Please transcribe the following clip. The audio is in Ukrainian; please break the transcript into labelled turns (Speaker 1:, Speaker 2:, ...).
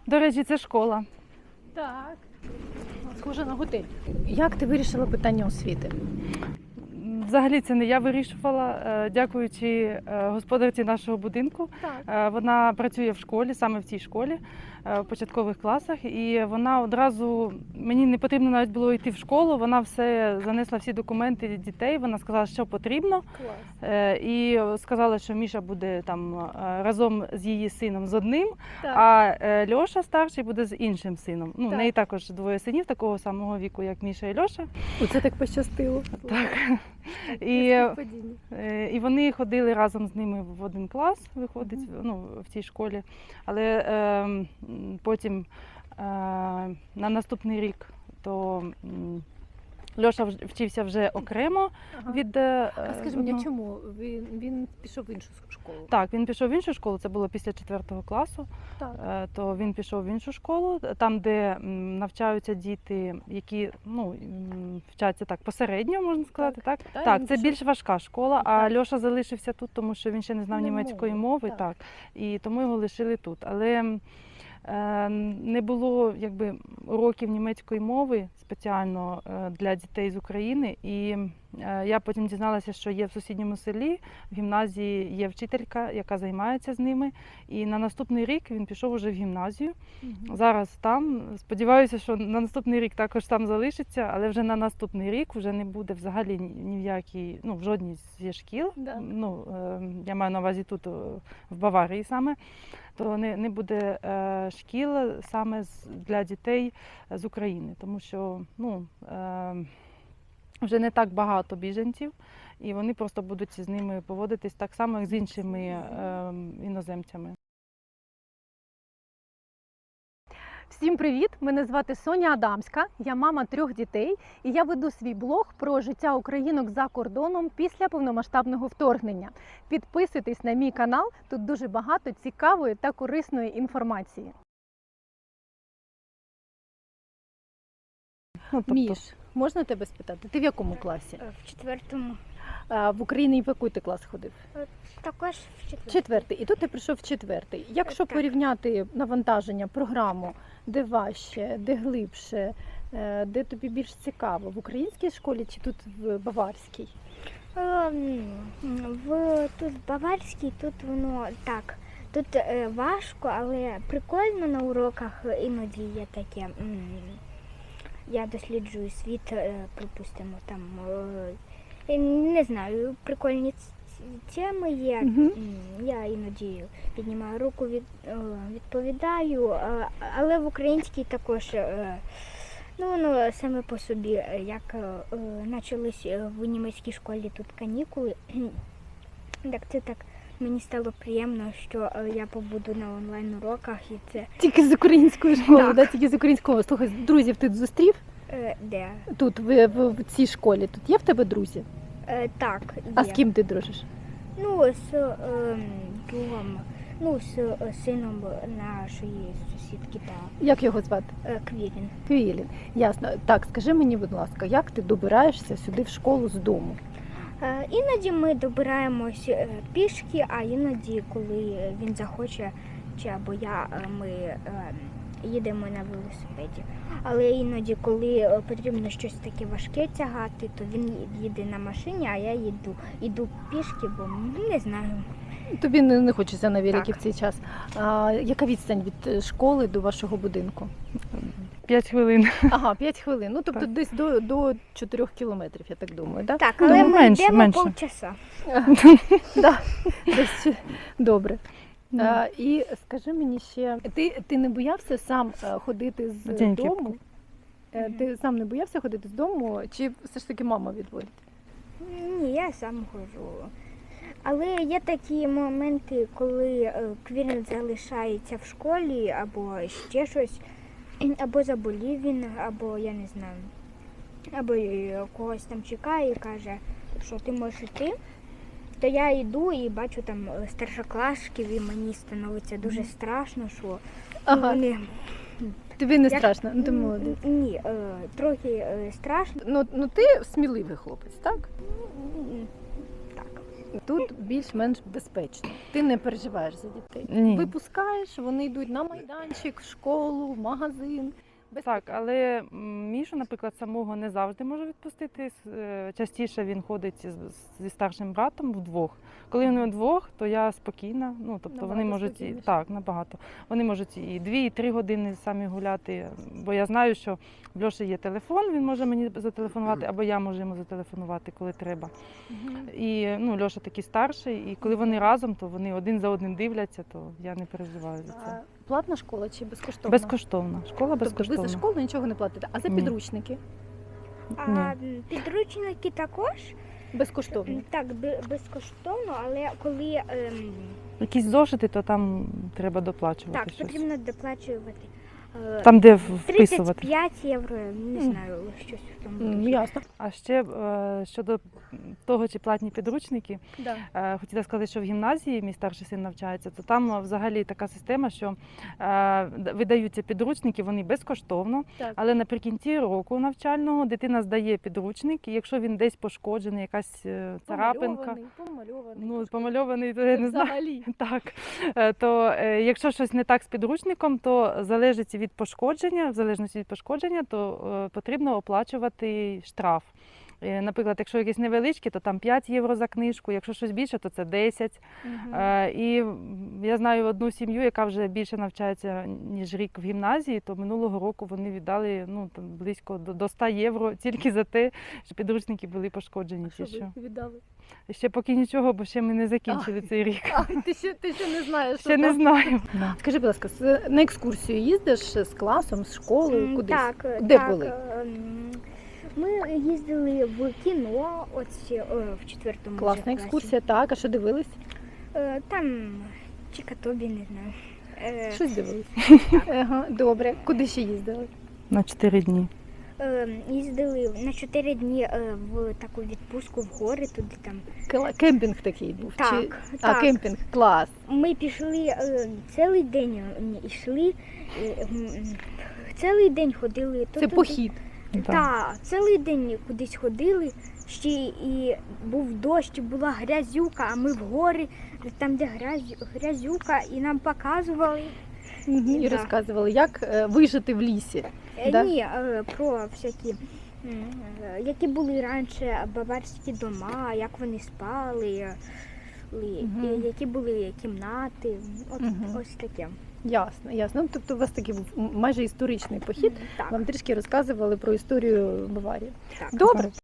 Speaker 1: До речі, це школа.
Speaker 2: Так. Схоже на готель. Як ти вирішила питання освіти?
Speaker 1: Взагалі це не я вирішувала, дякуючи господарці нашого будинку.
Speaker 2: Так.
Speaker 1: Вона працює в школі, саме в цій школі, в початкових класах. І вона одразу, мені не потрібно навіть було йти в школу, вона все занесла всі документи дітей, вона сказала, що потрібно.
Speaker 2: Клас.
Speaker 1: І сказала, що Міша буде там разом з її сином з одним,
Speaker 2: Так.
Speaker 1: а Льоша старший буде з іншим сином. Ну, в
Speaker 2: Так.
Speaker 1: неї також двоє синів такого самого віку, як Міша і Льоша.
Speaker 2: Оце так пощастило.
Speaker 1: Так. І вони ходили разом з ними в один клас, виходить, ну, в цій школі. Але потім на наступний рік то Льоша вчився вже окремо від
Speaker 2: А скажи мені,
Speaker 1: одного.
Speaker 2: чому? Він пішов в іншу школу?
Speaker 1: Так, він пішов в іншу школу, це було після 4 класу,
Speaker 2: Так.
Speaker 1: то він пішов в іншу школу, там, де навчаються діти, які вчаться так посередньо, можна сказати, так?
Speaker 2: Так,
Speaker 1: Так,
Speaker 2: він
Speaker 1: це
Speaker 2: пішов-
Speaker 1: більш важка школа, а
Speaker 2: Так.
Speaker 1: Льоша залишився тут, тому що він ще не знав
Speaker 2: Не
Speaker 1: німецької
Speaker 2: мови,
Speaker 1: мови,
Speaker 2: так.
Speaker 1: так, і тому його лишили тут. Але не було якби уроків німецької мови спеціально для дітей з України. І я потім дізналася, що є в сусідньому селі, в гімназії є вчителька, яка займається з ними. І на наступний рік він пішов уже в гімназію. Зараз там. Сподіваюся, що на наступний рік також там залишиться, але вже на наступний рік вже не буде взагалі ні в якій, ну, в жодній зі шкіл.
Speaker 2: Да.
Speaker 1: Ну, я маю на увазі тут, в Баварії саме, то не буде шкіл саме для дітей з України, тому що ну, вже не так багато біженців, і вони просто будуть з ними поводитись так само, як з іншими іноземцями.
Speaker 2: Всім привіт! Мене звати Соня Адамська, я мама 3 дітей, і я веду свій блог про життя українок за кордоном після повномасштабного вторгнення. Підписуйтесь на мій канал, тут дуже багато цікавої та корисної інформації.
Speaker 1: Ну, тобто,
Speaker 2: Міш, можна тебе спитати? Ти в якому класі?
Speaker 3: В 4-му.
Speaker 2: В Україні в який ти клас ходив?
Speaker 3: Також в 4-му.
Speaker 2: 4-й. І тут ти прийшов в 4-й. Якщо
Speaker 3: Так.
Speaker 2: порівняти навантаження, програму, де важче, де глибше, де тобі більш цікаво, в українській школі чи тут в баварській?
Speaker 3: Тут баварський, тут воно так. Тут важко, але прикольно на уроках іноді є таке. Я досліджую світ, припустимо, там, я не знаю, прикольні теми є. Я іноді піднімаю руку, відповідаю, але в українській також, ну, воно саме по собі, як почались в німецькій школі тут канікули, так це так мені стало приємно, що я побуду на онлайн-уроках і це...
Speaker 2: Тільки з української школи,
Speaker 3: Так.
Speaker 2: да? Тільки з української. Слухай, друзів ти зустрів
Speaker 3: Де?
Speaker 2: тут, в цій школі? Тут є в тебе друзі?
Speaker 3: Так, є.
Speaker 2: А з ким ти дружиш?
Speaker 3: Ну, з другом, ну, з сином нашої сусідки,
Speaker 2: Як його звати?
Speaker 3: Квілін.
Speaker 2: Квілін. Ясно. Так, скажи мені, будь ласка, як ти добираєшся сюди в школу з дому?
Speaker 3: Іноді ми добираємось пішки, а іноді, коли він захоче, чи або я, ми їдемо на велосипеді. Але іноді, коли потрібно щось таке важке тягати, то він їде на машині, а я йду пішки, бо не знаю.
Speaker 2: Тобі не хочеться на великі
Speaker 3: Так.
Speaker 2: в цей час. А яка відстань від школи до вашого будинку?
Speaker 1: 5 хвилин.
Speaker 2: Ага, 5 хвилин. Ну, тобто
Speaker 1: Так.
Speaker 2: десь до 4 кілометрів, я так думаю, так?
Speaker 3: Так, але
Speaker 1: Ну,
Speaker 3: ми
Speaker 1: менше,
Speaker 3: йдемо
Speaker 1: менше.
Speaker 3: полчаса.
Speaker 2: Да, десь добре. І скажи мені ще, ти не боявся сам ходити з
Speaker 1: Деньки.
Speaker 2: дому? Ти сам не боявся ходити з дому, чи все ж таки мама відводить?
Speaker 3: Ні, я сам ходжу. Але є такі моменти, коли Квілін залишається в школі, або ще щось, або заболів він, або я не знаю, або когось там чекає і каже, що ти можеш йти. То я йду і бачу там старшоклашків, і мені становиться дуже страшно, що
Speaker 2: Ага.
Speaker 3: вони...
Speaker 2: Тобі не
Speaker 3: Як-
Speaker 2: страшно? Ну, ти молодець.
Speaker 3: Ні, трохи страшно.
Speaker 2: Ну ти сміливий хлопець, так?
Speaker 3: Так.
Speaker 2: тут більш-менш безпечно. Ти не переживаєш за дітей.
Speaker 1: Ні.
Speaker 2: Випускаєш, вони йдуть на майданчик, в школу, в магазин.
Speaker 1: Так, але Мішу, наприклад, самого не завжди можу відпустити. Частіше він ходить зі старшим братом вдвох. Коли вони вдвох, то я спокійна. Ну, тобто вони
Speaker 2: Набагато
Speaker 1: можуть
Speaker 2: спокійніше.
Speaker 1: так, набагато. Вони можуть і 2, і 3 години самі гуляти, бо я знаю, що в Льоші є телефон, він може мені зателефонувати, або я можу йому зателефонувати, коли треба. І Льоша такий старший, і коли вони разом, то вони один за одним дивляться, то я не переживаю за
Speaker 2: А
Speaker 1: це.
Speaker 2: платна школа чи безкоштовна?
Speaker 1: Безкоштовна. Школа
Speaker 2: Тобто
Speaker 1: безкоштовна.
Speaker 2: ви за школу нічого не платите, а за
Speaker 1: Ні.
Speaker 2: підручники
Speaker 3: А підручники також
Speaker 2: безкоштовно.
Speaker 3: так безкоштовно, але коли
Speaker 1: Якісь зошити, то там треба доплачувати
Speaker 3: так
Speaker 1: щось.
Speaker 3: потрібно доплачувати.
Speaker 1: Там, де вписувати.
Speaker 3: 35 євро, не знаю, щось в тому.
Speaker 2: Ясно.
Speaker 1: А ще щодо того, чи платні підручники,
Speaker 2: Да.
Speaker 1: хотіла сказати, що в гімназії мій старший син навчається, то там взагалі така система, що видаються підручники, вони безкоштовно,
Speaker 2: Так.
Speaker 1: але наприкінці року навчального дитина здає підручник, і якщо він десь пошкоджений, якась царапинка,
Speaker 2: Помальований.
Speaker 1: помальований, то я не знаю.
Speaker 2: Взагалі.
Speaker 1: Так, то якщо щось не так з підручником, то залежить від пошкодження, в залежності від пошкодження, то потрібно оплачувати штраф. Наприклад, якщо якісь невеличкі, то там 5 євро за книжку, якщо щось більше, то це 10. І я знаю одну сім'ю, яка вже більше навчається, ніж рік в гімназії, то минулого року вони віддали там, близько до 100 євро тільки за те, що підручники були пошкоджені.
Speaker 2: Що
Speaker 1: Ті, що.
Speaker 2: ви віддали?
Speaker 1: Ще поки нічого, бо ще ми не закінчили цей рік.
Speaker 2: Ти ще не знаєш.
Speaker 1: Ще не знаю.
Speaker 2: Скажи, будь ласка, на екскурсію їздиш з класом, з школою, кудись?
Speaker 3: Так,
Speaker 2: Де
Speaker 3: так,
Speaker 2: були?
Speaker 3: Ми їздили в кіно, в 4-му
Speaker 2: Класна
Speaker 3: класі.
Speaker 2: екскурсія, так, а що дивились?
Speaker 3: Там Чикатобі, не знаю.
Speaker 2: Щось дивились. Ага, добре. Куди ще їздили?
Speaker 1: На 4 дні.
Speaker 3: Їздили на 4 дні в таку відпустку в гори, туди там.
Speaker 2: Кемпінг такий був?
Speaker 3: Так,
Speaker 2: Чи...
Speaker 3: так.
Speaker 2: А, кемпінг, клас.
Speaker 3: Ми пішли цілий день йшли, цілий день ходили.
Speaker 2: Це похід.
Speaker 3: Так, цілий день кудись ходили, ще і був дощ, була грязюка, а ми в гори, там де грязюка, і нам показували.
Speaker 2: І
Speaker 3: Да.
Speaker 2: розказували, як вижити в лісі. Да?
Speaker 3: Ні, про всякі, які були раніше баварські дома, як вони спали, які були кімнати, ось таке.
Speaker 2: Ясно, ясно. Ну, тобто у вас такий був майже історичний похід.
Speaker 3: Так,
Speaker 2: Вам трішки розказували про історію Баварії.
Speaker 3: так.
Speaker 2: Добре.